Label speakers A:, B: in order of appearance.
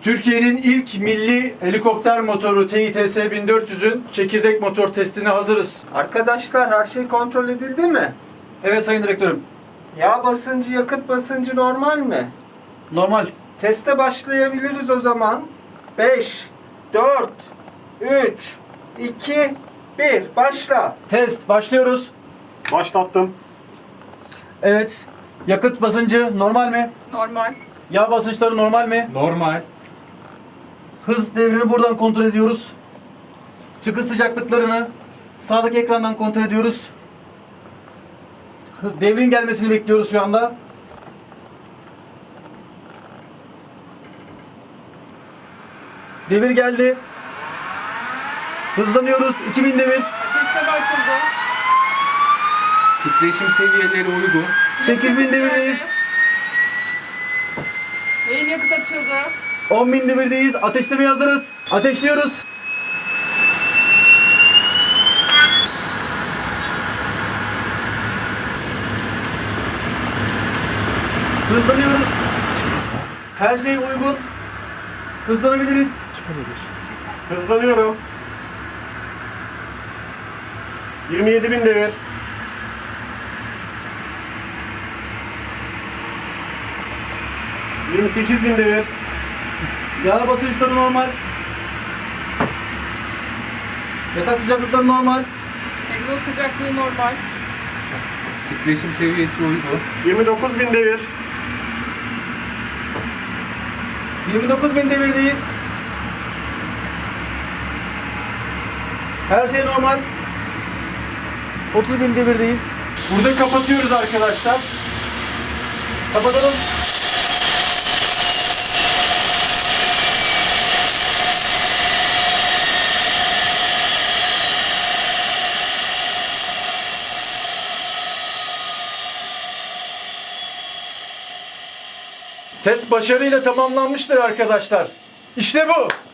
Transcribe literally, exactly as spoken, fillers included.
A: Türkiye'nin ilk milli helikopter motoru T İ T S bin dört yüzün çekirdek motor testine hazırız.
B: Arkadaşlar her şey kontrol edildi mi?
A: Evet sayın direktörüm.
B: Yağ basıncı, yakıt basıncı normal mi?
A: Normal.
B: Teste başlayabiliriz o zaman. beş, dört, üç, iki, bir. Başla.
A: Test başlıyoruz.
C: Başlattım.
A: Evet. Yakıt basıncı normal mi?
D: Normal.
A: Yağ basınçları normal mi?
C: Normal.
A: Hız devrini buradan kontrol ediyoruz. Çıkış sıcaklıklarını sağdaki ekrandan kontrol ediyoruz. Hız- Devrin gelmesini bekliyoruz şu anda. Devir geldi. Hızlanıyoruz. iki bin devir.
D: Ateşleme açıldı.
C: Titreşim seviyeleri uygun.
A: sekiz bin devirdeyiz.
D: Beyin yakıt açıldı.
A: on bin devirdeyiz. Ateşlemeye hazırız. Ateşliyoruz. Hızlanıyoruz. Her şey uygun. Hızlanabiliriz.
C: Hızlanıyorum. yirmi yedi bin devir. yirmi sekiz bin devir.
A: Yağ basınçları normal. Yatak sıcaklıkları normal.
D: Egzoz sıcaklığı normal.
C: Titreşim seviyesi uygun. yirmi dokuz bin devir.
A: yirmi dokuz bin devirdeyiz. Her şey normal. otuz bin devirdeyiz. Burada kapatıyoruz arkadaşlar. Kapatalım. Test başarıyla tamamlanmıştır arkadaşlar. İşte bu.